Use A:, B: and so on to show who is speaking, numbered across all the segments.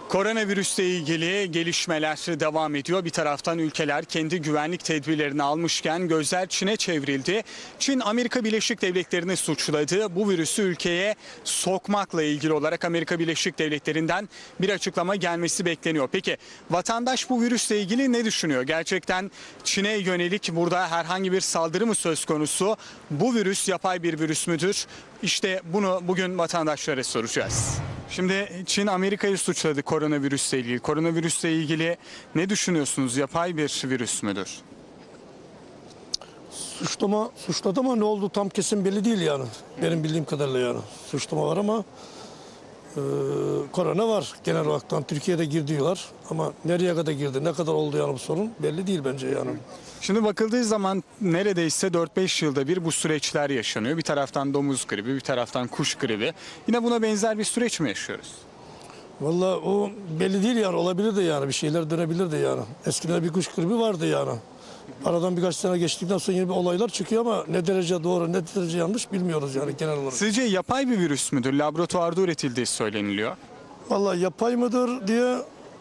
A: Koronavirüsle ilgili gelişmeler devam ediyor. Bir taraftan ülkeler kendi güvenlik tedbirlerini almışken gözler Çin'e çevrildi. Çin, Amerika Birleşik Devletleri'ni suçladı. Bu virüsü ülkeye sokmakla ilgili olarak Amerika Birleşik Devletleri'nden bir açıklama gelmesi bekleniyor. Peki vatandaş bu virüsle ilgili ne düşünüyor? Gerçekten Çin'e yönelik burada herhangi bir saldırı mı söz konusu? Bu virüs yapay bir virüs müdür? İşte bunu bugün vatandaşlara soracağız. Şimdi Çin Amerika'yı suçladı koronavirüsle ilgili. Koronavirüsle ilgili ne düşünüyorsunuz? Yapay bir virüs müdür?
B: Suçladı ama ne oldu tam kesin belli değil yani. Benim bildiğim kadarıyla yani. Suçlama var ama korona var genel olarak. Türkiye'de girdi diyorlar ama nereye kadar girdi, ne kadar oldu yani bu sorun belli değil bence yani.
A: Şimdi bakıldığı zaman neredeyse 4-5 yılda bir bu süreçler yaşanıyor. Bir taraftan domuz gribi, bir taraftan kuş gribi. Yine buna benzer bir süreç mi yaşıyoruz?
B: Vallahi o belli değil yani, olabilir de yani, bir şeyler dönebilir de yani. Eskiden bir kuş gribi vardı yani. Aradan birkaç sene geçtikten sonra yeni bir olaylar çıkıyor ama ne derece doğru, ne derece yanlış bilmiyoruz yani genel olarak.
A: Sizce yapay bir virüs müdür? Laboratuvarda üretildiği söyleniliyor.
B: Vallahi yapay mıdır diye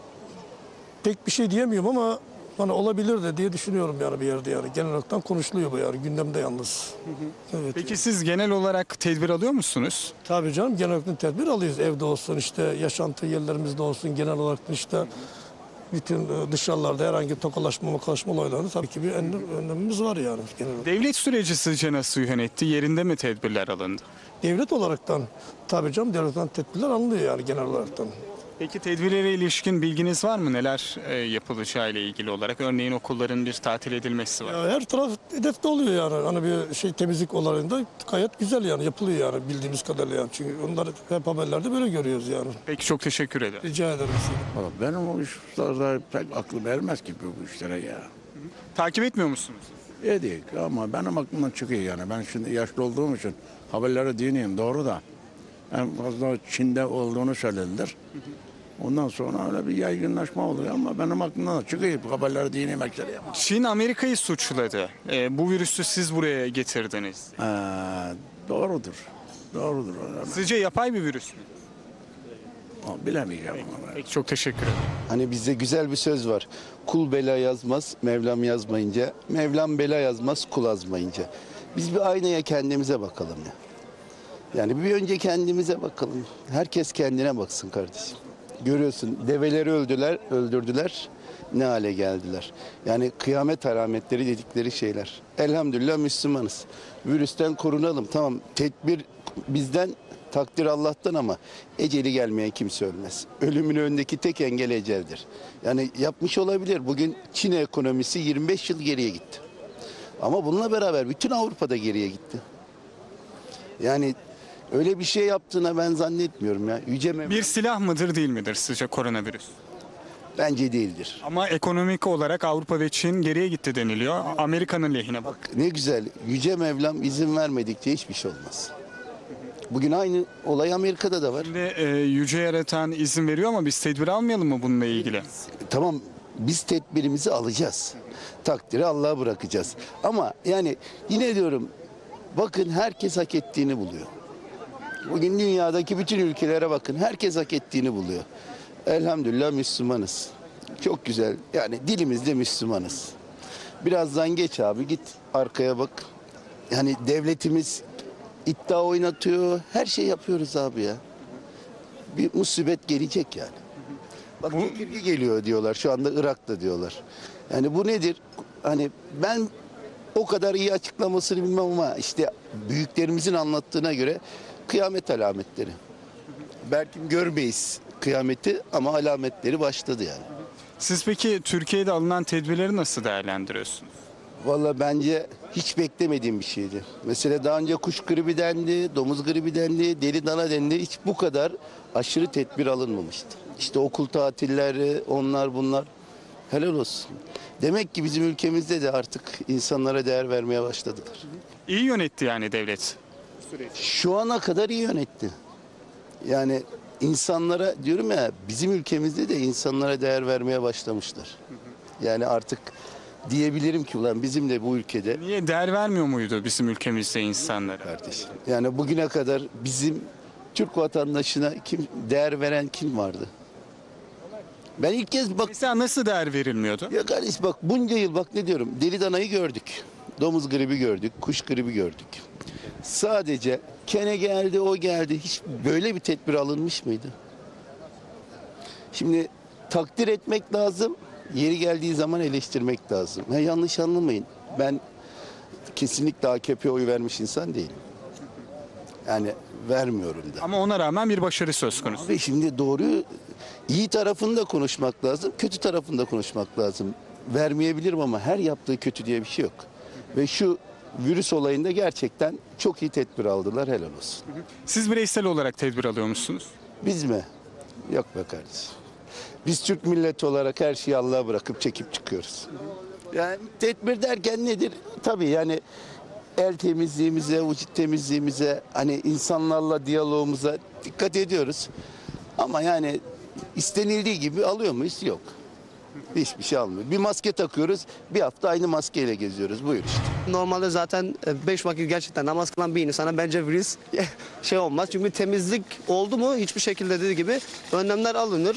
B: pek bir şey diyemiyorum ama hani olabilir de diye düşünüyorum yani bir yerde yani. Genel olarak konuşuluyor bu yani, gündemde yalnız. Evet.
A: Peki siz genel olarak tedbir alıyor musunuz?
B: Tabii canım, genel olarak tedbir alıyoruz. Evde olsun, işte yaşantı yerlerimizde olsun, genel olarak işte bütün dışarılarda herhangi tokalaşma, makalaşma olaylarında tabii ki bir önlemimiz var yani genel olarak.
A: Devlet süreci sizce nasıl yönetti? Yerinde mi tedbirler alındı?
B: Devlet olaraktan tabii canım, devletten tedbirler alınıyor yani genel olaraktan.
A: Peki tedbirlere ilişkin bilginiz var mı? Neler yapılacağı ile ilgili olarak? Örneğin okulların bir tatil edilmesi var.
B: Ya her taraf hedefte oluyor yani. Hani bir şey, temizlik olayında gayet güzel yani, yapılıyor yani bildiğimiz kadarıyla yani. Çünkü onları hep haberlerde böyle görüyoruz yani.
A: Peki çok teşekkür ederim.
B: Rica ederim.
C: Valla benim o işlerde pek aklım ermez ki bu işlere ya.
A: Takip etmiyor musunuz?
C: Edik ama benim aklımdan çıkıyor yani. Ben şimdi yaşlı olduğum için haberleri dinleyeyim, doğru da. En fazla Çin'de olduğunu söylediler. Ondan sonra öyle bir yaygınlaşma oluyor ama benim aklımdan da çıkıyor haberleri dinleyeyim.
A: Çin Amerika'yı suçladı. Bu virüsü siz buraya getirdiniz.
C: Doğrudur. Doğrudur.
A: Sizce yapay bir virüs mü?
C: Bilemeyeceğim ama.
A: Peki çok teşekkür ederim.
D: Hani bizde güzel bir söz var. Kul bela yazmaz, Mevlam yazmayınca. Mevlam bela yazmaz, kul azmayınca. Biz bir aynaya kendimize bakalım ya. Yani bir önce kendimize bakalım. Herkes kendine baksın kardeşim. Görüyorsun, develeri öldürdüler. Ne hale geldiler. Yani kıyamet alametleri dedikleri şeyler. Elhamdülillah Müslümanız. Virüsten korunalım. Tamam, tedbir bizden, takdir Allah'tan ama eceli gelmeyen kimse ölmez. Ölümün önündeki tek engel eceldir. Yani yapmış olabilir. Bugün Çin ekonomisi 25 yıl geriye gitti. Ama bununla beraber bütün Avrupa'da geriye gitti. Yani öyle bir şey yaptığına ben zannetmiyorum ya.
A: Bir silah mıdır değil midir sizce koronavirüs?
D: Bence değildir.
A: Ama ekonomik olarak Avrupa ve Çin geriye gitti deniliyor. Amerika'nın lehine bak.
D: Ne güzel. Yüce Mevlam izin vermedikçe hiçbir şey olmaz. Bugün aynı olay Amerika'da da var.
A: Şimdi yüce yaratan izin veriyor ama biz tedbir almayalım mı bununla ilgili?
D: Tamam, biz tedbirimizi alacağız. Takdiri Allah'a bırakacağız. Ama yani yine diyorum, bakın herkes hak ettiğini buluyor. Bugün dünyadaki bütün ülkelere bakın, herkes hak ettiğini buluyor. Elhamdülillah Müslümanız. Çok güzel. Yani dilimizde Müslümanız. Birazdan geç abi, git arkaya bak. Yani devletimiz iddia oynatıyor. Her şey yapıyoruz abi ya. Bir musibet gelecek yani. Bak çekirge geliyor diyorlar. Şu anda Irak'ta diyorlar. Yani bu nedir? Hani ben o kadar iyi açıklamasını bilmem ama işte büyüklerimizin anlattığına göre kıyamet alametleri. Belki görmeyiz kıyameti ama alametleri başladı yani.
A: Siz peki Türkiye'de alınan tedbirleri nasıl değerlendiriyorsunuz?
D: Vallahi bence hiç beklemediğim bir şeydi. Mesela daha önce kuş gribi dendi, domuz gribi dendi, deli dana dendi. Hiç bu kadar aşırı tedbir alınmamıştı. İşte okul tatilleri, onlar bunlar. Helal olsun. Demek ki bizim ülkemizde de artık insanlara değer vermeye başladılar.
A: İyi yönetti yani devlet.
D: Şu ana kadar iyi yönetti. Yani insanlara diyorum ya, bizim ülkemizde de insanlara değer vermeye başlamışlar. Yani artık diyebilirim ki ulan bizim de bu ülkede
A: Niye değer vermiyor muydu bizim ülkemizde insanlara?
D: kardeşim. Yani bugüne kadar bizim Türk vatandaşına kim değer veren kim vardı? Ben ilk kez bak
A: Mesela nasıl değer verilmiyordu?
D: ya kardeş bak bunca yıl bak ne diyorum deli danayı gördük. Domuz gribi gördük, kuş gribi gördük. Sadece kene geldi, o geldi. Hiç böyle bir tedbir alınmış mıydı? Şimdi takdir etmek lazım. Yeri geldiği zaman eleştirmek lazım. Ha, yanlış anlamayın. Ben kesinlikle AKP'ye oy vermiş insan değilim. Yani vermiyorum da.
A: Ama ona rağmen bir başarı söz konusu.
D: Ve şimdi doğru iyi tarafını da konuşmak lazım, kötü tarafını da konuşmak lazım. Vermeyebilirim ama her yaptığı kötü diye bir şey yok. Ve şu virüs olayında gerçekten çok iyi tedbir aldılar, helal olsun.
A: Siz bireysel olarak tedbir alıyor musunuz?
D: Biz mi? Yok be kardeşim. Biz Türk milleti olarak her şeyi Allah'a bırakıp çekip çıkıyoruz. Yani tedbir derken nedir? Tabii yani el temizliğimize, vücut temizliğimize, hani insanlarla diyalogumuza dikkat ediyoruz. Ama yani istenildiği gibi alıyor muyuz? Yok. Hiçbir şey almıyor. Bir maske takıyoruz, bir hafta aynı maskeyle geziyoruz. Buyur işte.
E: Normalde zaten 5 vakit gerçekten namaz kılan bir insana bence virüs şey olmaz. Çünkü temizlik oldu mu hiçbir şekilde dediği gibi önlemler alınır.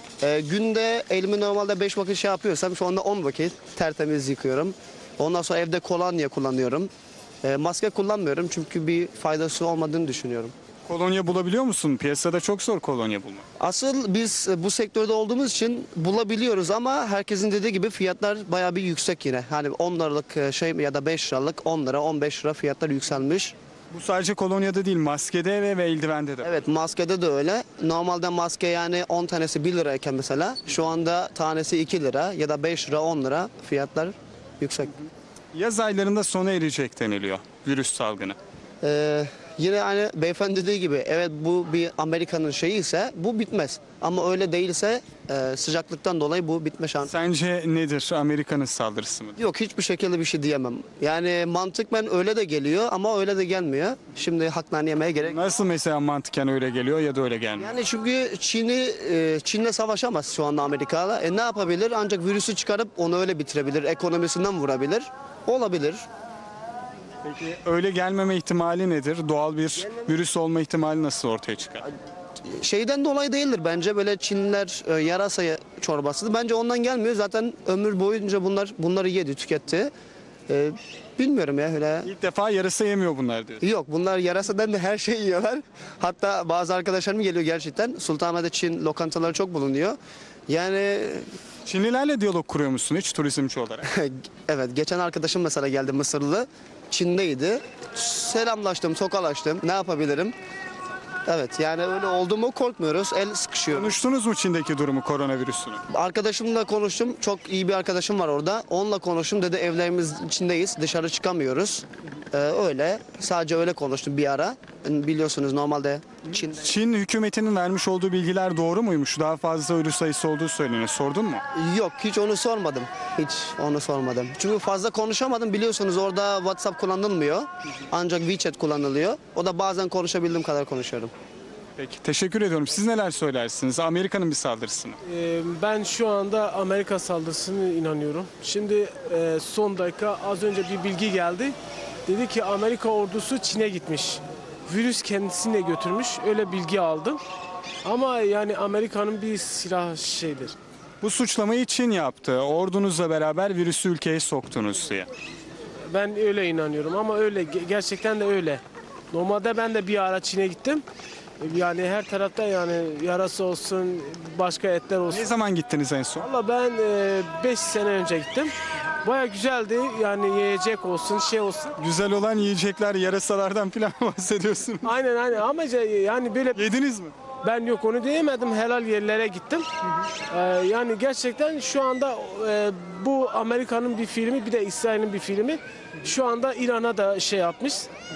E: Günde elimi normalde 5 vakit şey yapıyorsam şu anda 10 vakit tertemiz yıkıyorum. Ondan sonra evde kolonya kullanıyorum. Maske kullanmıyorum çünkü bir faydası olmadığını düşünüyorum.
A: Kolonya bulabiliyor musun? Piyasada çok zor kolonya bulmak.
E: Asıl biz bu sektörde olduğumuz için bulabiliyoruz ama herkesin dediği gibi fiyatlar bayağı bir yüksek yine. Hani 10 liralık şey ya da 5 liralık 10 lira 15 lira fiyatlar yükselmiş.
A: Bu sadece kolonyada değil, maskede ve eldivende de.
E: Evet maskede de öyle. Normalde maske yani 10 tanesi 1 lirayken mesela şu anda tanesi 2 lira ya da 5 lira 10 lira fiyatlar yüksek.
A: Yaz aylarında sona erecek deniliyor virüs salgını.
E: Yine hani beyefendi dediği gibi evet bu bir Amerika'nın şeyi ise bu bitmez. Ama öyle değilse sıcaklıktan dolayı bu bitme şansı.
A: Sence nedir? Amerika'nın saldırısı mı?
E: Yok hiçbir şekilde bir şey diyemem. Yani mantıkmen öyle de geliyor ama öyle de gelmiyor. Şimdi haklarını yemeye gerek.
A: Nasıl mesela mantıken öyle geliyor ya da öyle gelmiyor?
E: Yani çünkü Çin'le savaşamaz şu anda Amerika'la. Ne yapabilir? Ancak virüsü çıkarıp onu öyle bitirebilir. Ekonomisinden vurabilir. Olabilir.
A: Peki öyle gelmeme ihtimali nedir? Doğal bir virüs olma ihtimali nasıl ortaya çıkar?
E: Şeyden dolayı değildir bence. Böyle Çinliler yarasa çorbası. Bence ondan gelmiyor. Zaten ömür boyunca bunları yedi, tüketti. Bilmiyorum ya öyle.
A: İlk defa yarasa yemiyor bunlar diyor.
E: Yok bunlar yarasadan da her şeyi yiyorlar. Hatta bazı arkadaşlarım geliyor gerçekten. Sultanahmet'te Çin lokantaları çok bulunuyor. Yani
A: Çinlilerle diyalog kuruyor musun hiç turizmci olarak?
E: evet geçen arkadaşım mesela geldi Mısırlı. Çin'deydi. Selamlaştım, tokalaştım. Ne yapabilirim? Evet yani öyle oldu mu korkmuyoruz. El sıkışıyor.
A: Konuştunuz mu Çin'deki durumu, koronavirüsünü?
E: Arkadaşımla konuştum. Çok iyi bir arkadaşım var orada. Onunla konuştum. Dedi evlerimiz içindeyiz. Dışarı çıkamıyoruz. Öyle. Sadece öyle konuştum bir ara. Biliyorsunuz normalde Çin...
A: Çin hükümetinin vermiş olduğu bilgiler doğru muymuş? Daha fazla ölü sayısı olduğu söyleniyor. Sordun mu?
E: Yok hiç onu sormadım. Hiç onu sormadım. Çünkü fazla konuşamadım. Biliyorsunuz orada WhatsApp kullanılmıyor. Ancak WeChat kullanılıyor. O da bazen konuşabildiğim kadar konuşuyorum.
A: Peki teşekkür ediyorum. Siz neler söylersiniz? Amerika'nın bir saldırısı mı?
F: Ben şu anda Amerika saldırısına inanıyorum. Şimdi son dakika az önce bir bilgi geldi. Dedi ki Amerika ordusu Çin'e gitmiş. Virüs kendisine götürmüş. Öyle bilgi aldım. Ama yani Amerika'nın bir silah şeydir.
A: Bu suçlamayı Çin yaptı. Ordunuzla beraber virüsü ülkeye soktunuz diye.
F: Ben öyle inanıyorum ama öyle gerçekten de öyle. Normalde ben de bir ara Çin'e gittim. Yani her tarafta yani yarası olsun, başka etler olsun.
A: Ne zaman gittiniz en son?
F: Valla ben 5 sene önce gittim. Baya güzeldi yani yiyecek olsun şey olsun.
A: Güzel olan yiyecekler, yarasalardan falan bahsediyorsunuz.
F: Aynen ama yani böyle
A: Yediniz mi?
F: ben yok onu diyemedim helal yerlere gittim. Yani gerçekten şu anda bu Amerika'nın bir filmi bir de İsrail'in bir filmi. Şu anda İran'a da şey yapmış.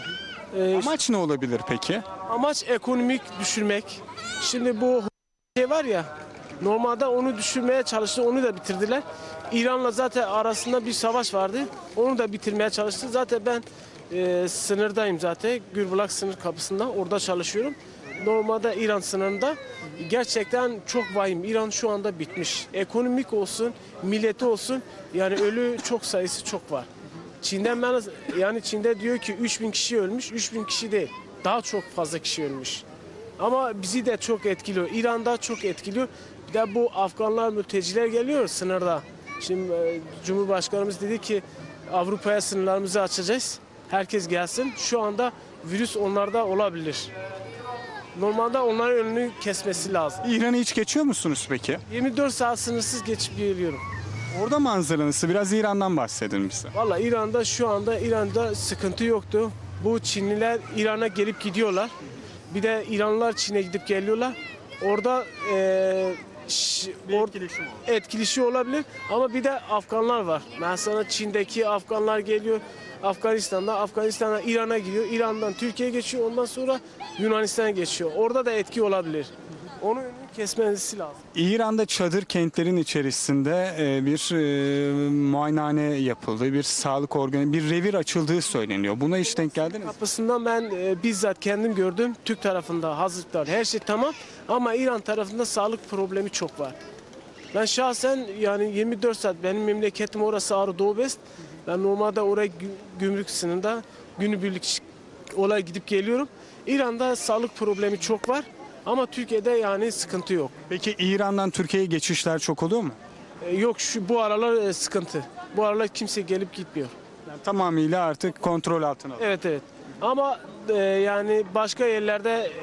A: Amaç ne olabilir peki?
F: Amaç ekonomik düşürmek. Şimdi bu şey var ya normalde onu düşürmeye çalıştı onu da bitirdiler. İran'la zaten arasında bir savaş vardı. Onu da bitirmeye çalıştı. Zaten ben sınırdayım zaten. Gürbulak sınır kapısında orada çalışıyorum. Normalde İran sınırında gerçekten çok vahim. İran şu anda bitmiş. Ekonomik olsun, milleti olsun yani ölü çok sayısı çok var. Çin'den yani Çin'de diyor ki 3000 kişi ölmüş. 3000 kişi değil. Daha çok fazla kişi ölmüş. Ama bizi de çok etkiliyor. İran'da çok etkiliyor. Bir de bu Afganlar, mülteciler geliyor sınırda. Şimdi Cumhurbaşkanımız dedi ki Avrupa'ya sınırlarımızı açacağız. Herkes gelsin. Şu anda virüs onlarda olabilir. Normalde onların önünü kesmesi lazım.
A: İran'ı hiç geçiyor musunuz peki?
F: 24 saat sınırsız geçip geliyorum.
A: Orada manzara nasıl? Biraz İran'dan bahsedin bize.
F: Valla İran'da şu anda İran'da sıkıntı yoktu. Bu Çinliler İran'a gelip gidiyorlar. Bir de İranlılar Çin'e gidip geliyorlar. Orada etkileşim olabilir ama bir de Afganlar var. Mesela Çin'deki Afganlar geliyor Afganistan'dan İran'a gidiyor. İran'dan Türkiye'ye geçiyor. Ondan sonra Yunanistan'a geçiyor. Orada da etki olabilir. Onun önünü kesmesi lazım.
A: İran'da çadır kentlerin içerisinde bir muayenehane yapıldı, bir sağlık organı, bir revir açıldığı söyleniyor. Buna hiç denk geldiniz mi?
F: Kapısından ben bizzat kendim gördüm. Türk tarafında hazırlıklar her şey tamam ama İran tarafında sağlık problemi çok var. Ben şahsen yani 24 saat benim memleketim orası Ağrı Doğu Best. Ben normalde oraya gümrük sınırında günübirlik olay gidip geliyorum. İran'da sağlık problemi çok var ama Türkiye'de yani sıkıntı yok.
A: Peki İran'dan Türkiye'ye geçişler çok oluyor mu?
F: Yok bu aralar sıkıntı. Bu aralar kimse gelip gitmiyor.
A: Yani tamamıyla artık kontrol altına alındı.
F: Evet. Ama yani başka yerlerde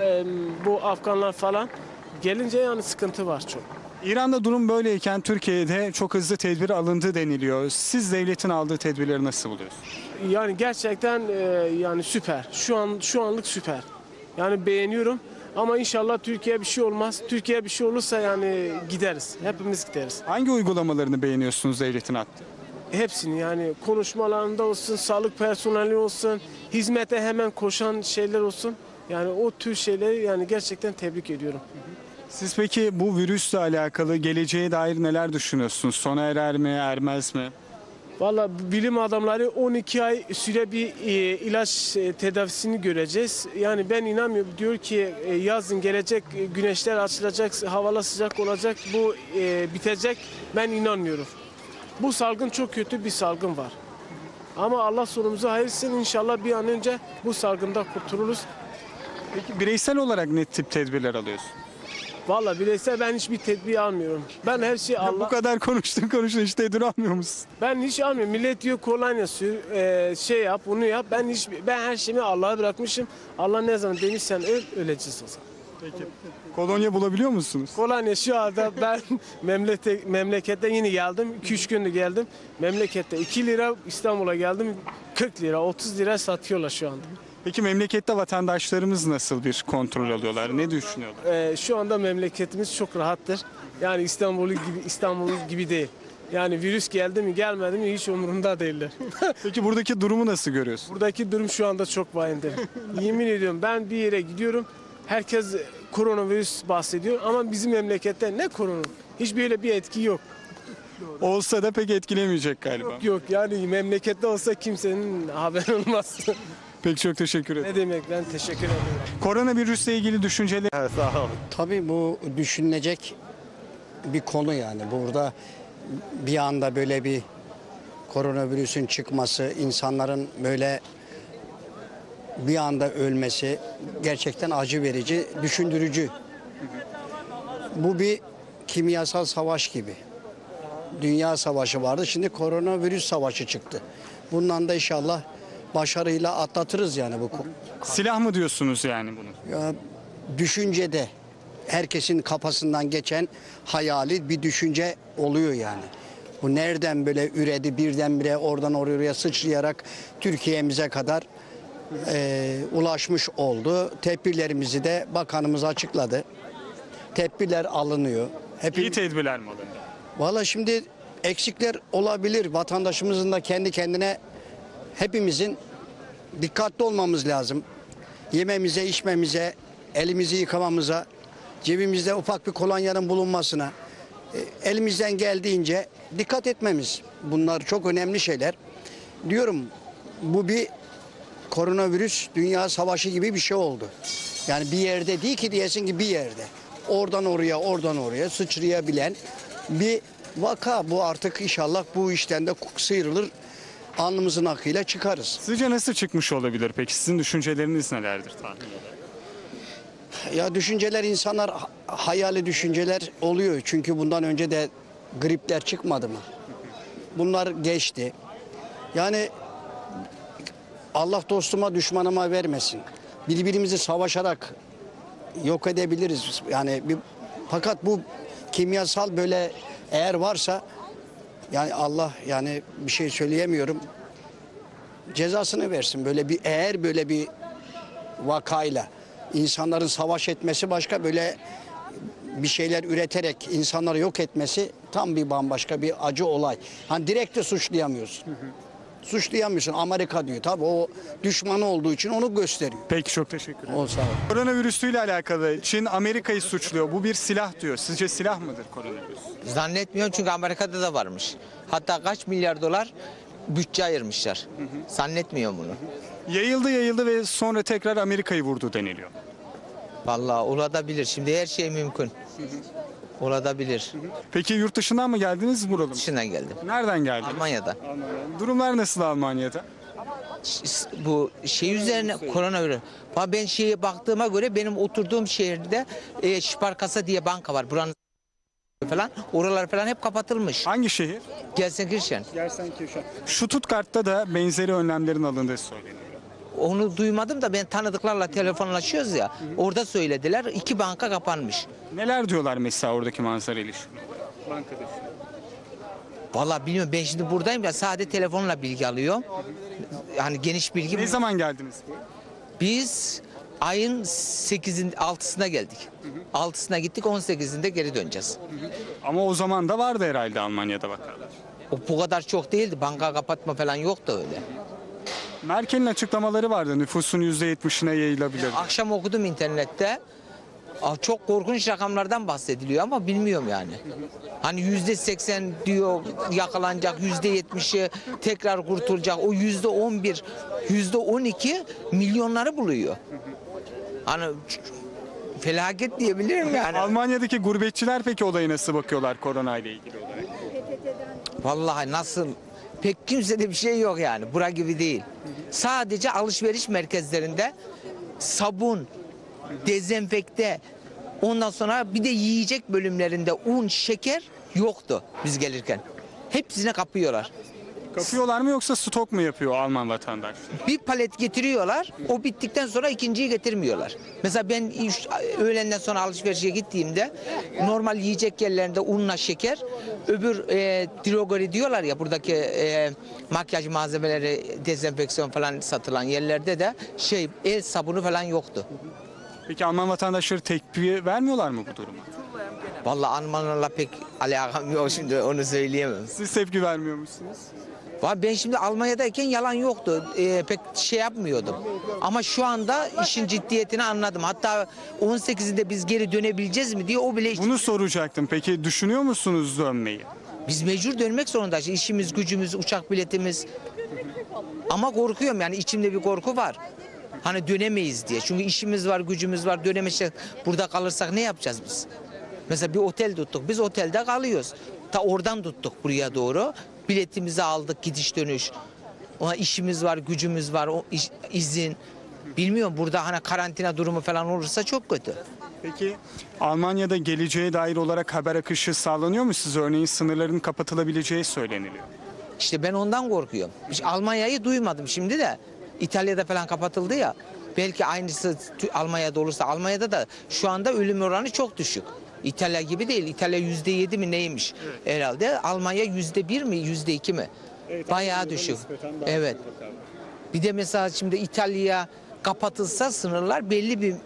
F: bu Afganlar falan gelince yani sıkıntı var çok.
A: İran'da durum böyleyken Türkiye'de çok hızlı tedbir alındı deniliyor. Siz devletin aldığı tedbirleri nasıl buluyorsunuz?
F: Yani gerçekten yani süper. Şu anlık süper. Yani beğeniyorum. Ama inşallah Türkiye'ye bir şey olmaz. Türkiye'ye bir şey olursa yani gideriz. Hepimiz gideriz.
A: Hangi uygulamalarını beğeniyorsunuz devletin attığı?
F: Hepsini yani konuşmalarında olsun, sağlık personeli olsun, hizmete hemen koşan şeyler olsun. Yani o tür şeyleri yani gerçekten tebrik ediyorum.
A: Siz peki bu virüsle alakalı geleceğe dair neler düşünüyorsunuz? Sona erer mi, ermez mi?
F: Valla bilim adamları 12 ay süre bir ilaç tedavisini göreceğiz. Yani ben inanmıyorum. Diyor ki yazın gelecek, güneşler açılacak, havalar sıcak olacak, bu bitecek. Ben inanmıyorum. Bu salgın çok kötü bir salgın var. Ama Allah sonumuzu hayırsın. İnşallah bir an önce bu salgından kurtuluruz.
A: Peki bireysel olarak ne tip tedbirler alıyorsun?
F: Valla bireysel ben hiçbir tedbir almıyorum. Ben her şeyi
A: Bu
F: Allah...
A: kadar konuştun hiç tedbir almıyor musun?
F: Ben hiç almıyorum. Millet diyor kolonya sür, şey yap, bunu yap. Ben her şeyimi Allah'a bırakmışım. Allah ne zaman demişsen öleceğiz o zaman.
A: Peki. Kolonya bulabiliyor musunuz?
F: Kolonya şu anda ben memlekette yeni geldim. 2-3 gündür geldim. Memlekette 2 lira, İstanbul'a geldim 40 lira, 30 lira satıyorlar şu anda.
A: Peki memlekette vatandaşlarımız nasıl bir kontrol alıyorlar? Ne düşünüyorlar?
F: Şu anda memleketimiz çok rahattır. Yani İstanbul gibi değil. Yani virüs geldi mi gelmedi mi hiç umurunda değiller.
A: Peki buradaki durumu nasıl görüyorsun?
F: Buradaki durum şu anda çok vahimdir. Yemin ediyorum ben bir yere gidiyorum. Herkes koronavirüs bahsediyor ama bizim memlekette ne korona? Hiç böyle bir etki yok.
A: Olsa da pek etkilemeyecek galiba.
F: Yok yani memlekette olsa kimsenin haberi olmaz.
A: Peki çok teşekkür ederim.
F: Ne demek, ben teşekkür ederim.
A: Koronavirüsle ilgili düşünceler
G: Tabii bu düşünülecek bir konu yani. Burada bir anda böyle bir koronavirüsün çıkması, insanların böyle bir anda ölmesi gerçekten acı verici, düşündürücü. Bu bir kimyasal savaş gibi. Dünya savaşı vardı, şimdi koronavirüs savaşı çıktı. Bundan da inşallah başarıyla atlatırız yani bu.
A: silah mı diyorsunuz yani bunu?
G: Ya, düşüncede herkesin kafasından geçen hayali bir düşünce oluyor yani. Bu nereden böyle üredi birdenbire oradan oraya sıçrayarak Türkiye'mize kadar ulaşmış oldu. Tedbirlerimizi de bakanımız açıkladı. Tedbirler alınıyor.
A: İyi tedbirler mi alındı?
G: Valla şimdi eksikler olabilir. Vatandaşımızın da kendi kendine hepimizin dikkatli olmamız lazım. Yememize, içmemize, elimizi yıkamamıza, cebimizde ufak bir kolonyanın bulunmasına, elimizden geldiğince dikkat etmemiz. Bunlar çok önemli şeyler. Diyorum bu bir koronavirüs dünya savaşı gibi bir şey oldu. Yani bir yerde değil ki diyesin ki bir yerde. Oradan oraya sıçrayabilen bir vaka bu, artık inşallah bu işten de sıyrılır. Alnımızın akıyla çıkarız.
A: Sizce nasıl çıkmış olabilir peki? Sizin düşünceleriniz nelerdir tahmin olarak?
G: Ya düşünceler insanlar hayali düşünceler oluyor. Çünkü bundan önce de gripler çıkmadı mı? Bunlar geçti. Yani Allah dostuma düşmanıma vermesin. Birbirimizi savaşarak yok edebiliriz. Yani fakat bu kimyasal böyle eğer varsa yani Allah yani bir şey söyleyemiyorum. Cezasını versin. Eğer böyle bir vakayla insanların savaş etmesi başka, böyle bir şeyler üreterek insanları yok etmesi tam bir bambaşka bir acı olay. Hani direkt de suçlayamıyorsun. Suçlayamıyorsun. Amerika diyor. Tabii o düşmanı olduğu için onu gösteriyor.
A: Peki çok teşekkür ederim.
G: O sağ ol.
A: Koronavirüsüyle alakalı Çin Amerika'yı suçluyor. Bu bir silah diyor. Sizce silah mıdır koronavirüs?
H: Zannetmiyorum çünkü Amerika'da da varmış. Hatta kaç milyar dolar bütçe ayırmışlar. Zannetmiyorum bunu.
A: Yayıldı ve sonra tekrar Amerika'yı vurdu deniliyor.
H: Vallahi olabilir. Şimdi her şey mümkün. Olabilir.
A: Peki yurt dışından mı geldiniz buralı mı?
H: Dışından geldim.
A: Nereden geldiniz?
H: Almanya'da.
A: Durumlar nasıl Almanya'da?
H: Bu şey üzerine koronavirüs. Ben şeye baktığıma göre benim oturduğum şehirde Sparkassa diye banka var. Buranın falan. Oralar falan hep kapatılmış.
A: Hangi şehir?
H: Gelsenkirchen.
A: Gelsenkirchen. Stuttgart'ta da benzeri önlemlerin alındığı söyleniyor.
H: Onu duymadım da ben tanıdıklarla telefonlaşıyoruz ya. Orada söylediler. 2 banka kapanmış.
A: Neler diyorlar mesela oradaki manzara ilişkin? Bankada.
H: Vallahi bilmiyorum, ben şimdi buradayım ya, sadece telefonla bilgi alıyorum. Yani geniş bilgi.
A: Ne zaman geldiniz?
H: Biz ayın 8'in 6'sına geldik. 6'sına gittik, 18'inde geri döneceğiz.
A: Ama o zaman da vardı herhalde Almanya'da vakalar.
H: O bu kadar çok değildi. Banka kapatma falan yoktu öyle.
A: Merkel'in açıklamaları vardı. Nüfusun %70'ine yayılabilir.
H: Akşam okudum internette. Çok korkunç rakamlardan bahsediliyor ama bilmiyorum yani. Hani %80 diyor yakalanacak, %70'i tekrar kurtulacak. O %11, %12 milyonları buluyor. Hani felaket diyebilirim yani.
A: Almanya'daki gurbetçiler peki olaya nasıl bakıyorlar korona ile ilgili olarak?
H: Vallahi nasıl, pek kimsede bir şey yok yani. Bura gibi değil. Sadece alışveriş merkezlerinde sabun, dezenfekte, ondan sonra bir de yiyecek bölümlerinde un, şeker yoktu biz gelirken. Hepsine kapıyorlar.
A: Kapıyorlar mı yoksa stok mu yapıyor Alman vatandaş?
H: Bir palet getiriyorlar, o bittikten sonra ikinciyi getirmiyorlar. Mesela ben öğlenden sonra alışverişe gittiğimde normal yiyecek yerlerinde unla şeker, öbür drogeri diyorlar ya, buradaki makyaj malzemeleri, dezenfeksiyon falan satılan yerlerde de el sabunu falan yoktu.
A: Peki Alman vatandaşları tepki vermiyorlar mı bu duruma?
H: Vallahi Almanlarla pek alakam yok, şimdi onu söyleyemem.
A: Siz tepki vermiyor musunuz?
H: Ben şimdi Almanya'dayken yalan yoktu. Pek şey yapmıyordum. Ama şu anda işin ciddiyetini anladım. Hatta 18'inde biz geri dönebileceğiz mi diye o bile...
A: Bunu soracaktım. Peki düşünüyor musunuz dönmeyi?
H: Biz mecbur dönmek zorundayız. İşimiz, gücümüz, uçak biletimiz. Ama korkuyorum yani, içimde bir korku var. Hani dönemeyiz diye. Çünkü işimiz var, gücümüz var, dönemeyeceğiz. Burada kalırsak ne yapacağız biz? Mesela bir otel tuttuk. Biz otelde kalıyoruz. Ta oradan tuttuk buraya doğru. Biletimizi aldık, gidiş dönüş. Ona işimiz var, gücümüz var, izin. Bilmiyorum, burada hani karantina durumu falan olursa çok kötü.
A: Peki Almanya'da geleceğe dair olarak haber akışı sağlanıyor mu size? Örneğin sınırların kapatılabileceği söyleniliyor.
H: İşte ben ondan korkuyorum. Almanya'yı duymadım şimdi de. İtalya'da falan kapatıldı ya. Belki aynısı Almanya'da olursa. Almanya'da da şu anda ölüm oranı çok düşük. İtalya gibi değil. İtalya %7 mi neymiş herhalde. Almanya %1 mi, %2 mi?
A: Evet,
H: bayağı düşük. Evet. Bir de mesela şimdi İtalya kapatılsa sınırlar belli bir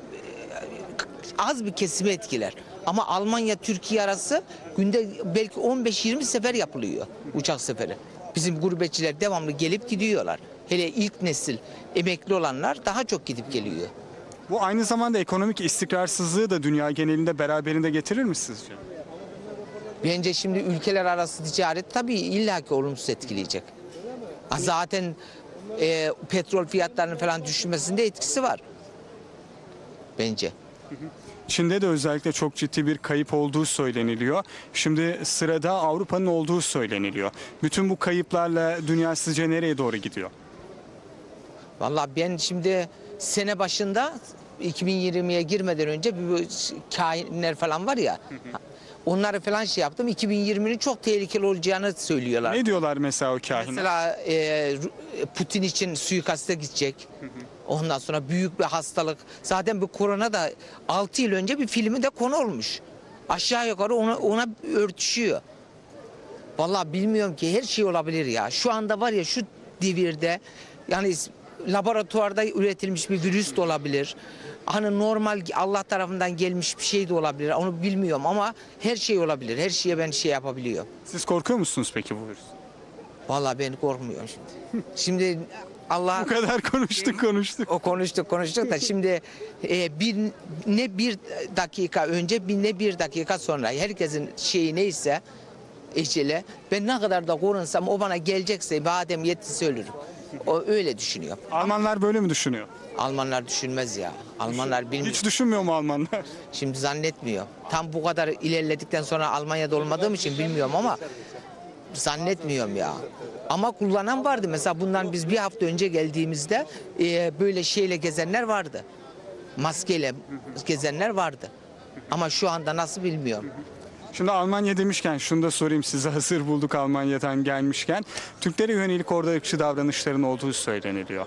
H: az bir kesimi etkiler. Ama Almanya Türkiye arası günde belki 15-20 sefer yapılıyor, uçak seferi. Bizim gurbetçiler devamlı gelip gidiyorlar. Hele ilk nesil emekli olanlar daha çok gidip geliyor.
A: Bu aynı zamanda ekonomik istikrarsızlığı da dünya genelinde beraberinde getirir mi sizce?
H: Bence şimdi ülkeler arası ticaret tabii illaki olumsuz etkileyecek. Zaten petrol fiyatlarının falan düşmesinde etkisi var. Bence.
A: Çin'de de özellikle çok ciddi bir kayıp olduğu söyleniliyor. Şimdi sırada Avrupa'nın olduğu söyleniliyor. Bütün bu kayıplarla dünya sizce nereye doğru gidiyor?
H: Vallahi ben şimdi sene başında 2020'ye girmeden önce bir kahinler falan var ya. Onları falan şey yaptım. 2020'nin çok tehlikeli olacağını söylüyorlar.
A: Ne diyorlar mesela o kahinler?
H: Mesela Putin için suikaste gidecek. Ondan sonra büyük bir hastalık. Zaten bu korona da 6 yıl önce bir filmi de konu olmuş. Aşağı yukarı ona örtüşüyor. Vallahi bilmiyorum ki, her şey olabilir ya. Şu anda var ya, şu devirde yani laboratuvarda üretilmiş bir virüs de olabilir. Hani normal Allah tarafından gelmiş bir şey de olabilir. Onu bilmiyorum ama her şey olabilir. Her şeye ben şey yapabiliyor.
A: Siz korkuyor musunuz peki bu virüs?
H: Vallahi ben korkmuyorum şimdi. Şimdi Allah
A: Bu kadar konuştuk.
H: o konuştuk da şimdi bir dakika önce ne bir dakika sonra herkesin şeyi neyse ecele, ben ne kadar da korunsam o bana gelecekse badem yettiyse ölürüm. O öyle düşünüyor.
A: Almanlar böyle mi düşünüyor?
H: Almanlar düşünmez ya. Almanlar bilmiyor.
A: Hiç düşünmüyor mu Almanlar?
H: Şimdi zannetmiyor. Tam bu kadar ilerledikten sonra Almanya'da olmadığım için bilmiyorum ama zannetmiyorum ya. Ama kullanan vardı. Mesela bundan biz bir hafta önce geldiğimizde böyle şeyle gezenler vardı. Maskeyle gezenler vardı. Ama şu anda nasıl bilmiyorum.
A: Şimdi Almanya demişken şunu da sorayım size, hazır bulduk Almanya'dan gelmişken. Türklere yönelik orada ırkçı davranışların olduğu söyleniliyor.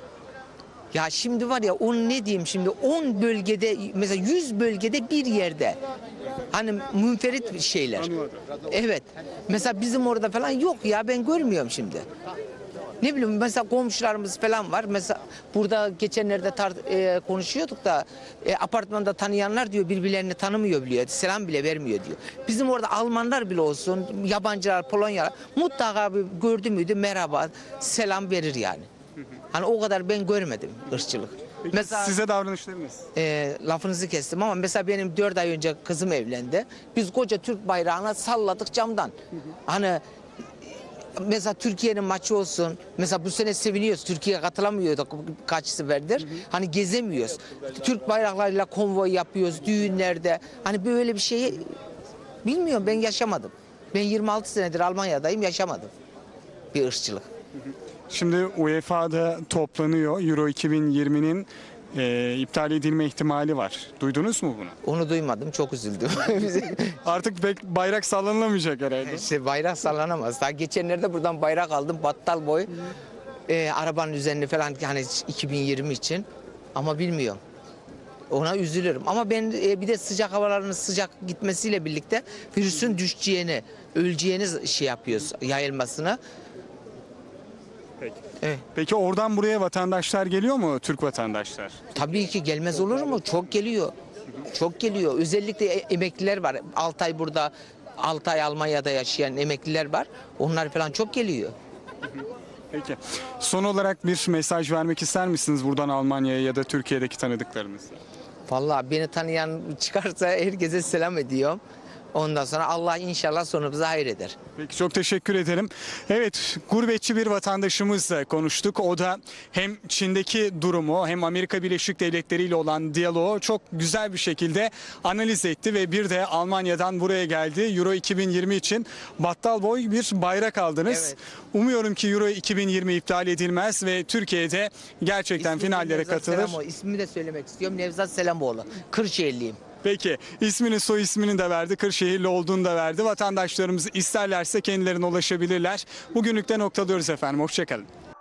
H: Ya şimdi var ya, onu ne diyeyim şimdi, 10 bölgede mesela 100 bölgede bir yerde hani münferit şeyler. Evet. Mesela bizim orada falan yok ya, ben görmüyorum şimdi. Ne bileyim, mesela komşularımız falan var. Mesela burada geçenlerde konuşuyorduk da apartmanda tanıyanlar diyor birbirlerini tanımıyor biliyor. Selam bile vermiyor diyor. Bizim orada Almanlar bile olsun, yabancılar, Polonyalar mutlaka bir gördü müydü merhaba, selam verir yani. Hani o kadar ben görmedim ırkçılık.
A: Peki
H: Mesela
A: size davranışlarınız?
H: lafınızı kestim ama mesela benim 4 ay önce kızım evlendi. Biz koca Türk bayrağını salladık camdan. Hani mesela Türkiye'nin maçı olsun. Mesela bu sene seviniyoruz. Türkiye katılamıyorduk kaç seferdir. Hani gezemiyoruz. Türk bayraklarıyla konvoy yapıyoruz düğünlerde. Hani böyle bir şeyi bilmiyorum, ben yaşamadım. Ben 26 senedir Almanya'dayım, yaşamadım bir ırkçılık.
A: Şimdi UEFA'da toplanıyor. Euro 2020'nin iptal edilme ihtimali var. Duydunuz mu bunu?
H: Onu duymadım, çok üzüldüm.
A: Artık pek bayrak sallanılamayacak herhalde.
H: İşte bayrak sallanamaz. Daha geçenlerde buradan bayrak aldım, battal boy. Arabanın üzerine falan, hani 2020 için. Ama bilmiyorum. Ona üzülürüm. Ama ben bir de sıcak havaların sıcak gitmesiyle birlikte virüsün düşeceğini, öleceğini şey yapıyoruz, yayılmasını.
A: Peki.
H: Evet.
A: Peki oradan buraya vatandaşlar geliyor mu, Türk vatandaşlar?
H: Tabii ki gelmez olur mu? Çok geliyor. Çok geliyor. Özellikle emekliler var. 6 ay burada, 6 ay Almanya'da yaşayan emekliler var. Onlar falan çok geliyor.
A: Peki. Son olarak bir mesaj vermek ister misiniz buradan Almanya'ya ya da Türkiye'deki tanıdıklarınızla?
H: Vallahi beni tanıyan çıkarsa herkese selam ediyorum. Ondan sonra Allah inşallah sonumuzu hayır eder.
A: Peki, çok teşekkür ederim. Evet, gurbetçi bir vatandaşımızla konuştuk. O da hem Çin'deki durumu hem Amerika Birleşik Devletleri ile olan diyaloğu çok güzel bir şekilde analiz etti ve bir de Almanya'dan buraya geldi. Euro 2020 için battal boy bir bayrak aldınız.
H: Evet.
A: Umuyorum ki Euro 2020 iptal edilmez ve Türkiye'de gerçekten
H: İsmim
A: finallere
H: Nevzat
A: katılır.
H: Selamoğlu. İsmimi de söylemek istiyorum. Nevzat Selamoğlu. Kırşehirliyim.
A: Peki, ismini, soy ismini de verdi, Kırşehirli olduğunu da verdi. Vatandaşlarımız isterlerse kendilerine ulaşabilirler. Bugünlük de noktalıyoruz efendim. Hoşçakalın.